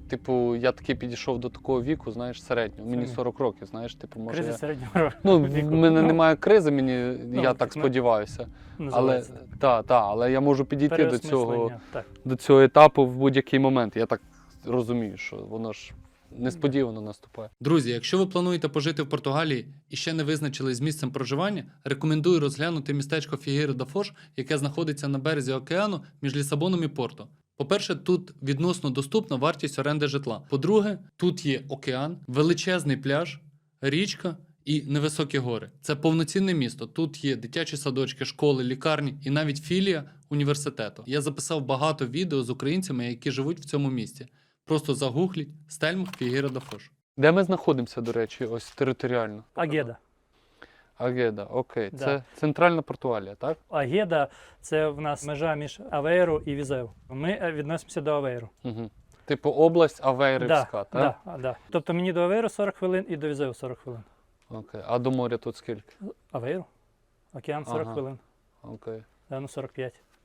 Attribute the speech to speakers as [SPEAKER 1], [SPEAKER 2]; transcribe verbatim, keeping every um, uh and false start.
[SPEAKER 1] типу, я таки підійшов до такого віку, знаєш, середнього. Мені сорок років, знаєш, типу, може.
[SPEAKER 2] Кризи
[SPEAKER 1] Я...
[SPEAKER 2] середнього
[SPEAKER 1] Ну,
[SPEAKER 2] віку.
[SPEAKER 1] в мене
[SPEAKER 2] Ну,
[SPEAKER 1] немає кризи, мені,
[SPEAKER 2] ну,
[SPEAKER 1] я так
[SPEAKER 2] ну,
[SPEAKER 1] сподіваюся. Але,
[SPEAKER 2] називається так.
[SPEAKER 1] та, та, але я можу підійти до цього,
[SPEAKER 2] Переосмислення, так.
[SPEAKER 1] до цього етапу в будь-який момент. Я так розумію, що воно ж несподівано наступає. Друзі, якщо ви плануєте пожити в Португалії і ще не визначились з місцем проживання, рекомендую розглянути містечко Фігейра да Фош, яке знаходиться на березі океану між Лісабоном і Порто. По-перше, тут відносно доступна вартість оренди житла. По-друге, тут є океан, величезний пляж, річка і невисокі гори. Це повноцінне місто. Тут є дитячі садочки, школи, лікарні і навіть філія університету. Я записав багато відео з українцями, які живуть в цьому місті. Просто загугліть Стельма Фігейра да Фош. Де ми знаходимося, до речі, ось територіально?
[SPEAKER 2] Агеда.
[SPEAKER 1] Агеда, окей.
[SPEAKER 2] Да.
[SPEAKER 1] Це центральна Португалія, так?
[SPEAKER 2] Агеда – це в нас межа між Авейру і Візеу. Ми відносимося до Авейру.
[SPEAKER 1] Угу. Типу область Авейрівська,
[SPEAKER 2] Да,
[SPEAKER 1] так?
[SPEAKER 2] да, да. Тобто мені до Авейру сорок хвилин і до Візеу сорок хвилин.
[SPEAKER 1] Окей. А до моря тут скільки?
[SPEAKER 2] Авейру? Океан сорок
[SPEAKER 1] Ага.
[SPEAKER 2] хвилин.
[SPEAKER 1] Окей.
[SPEAKER 2] Да, ну сорок п'ять.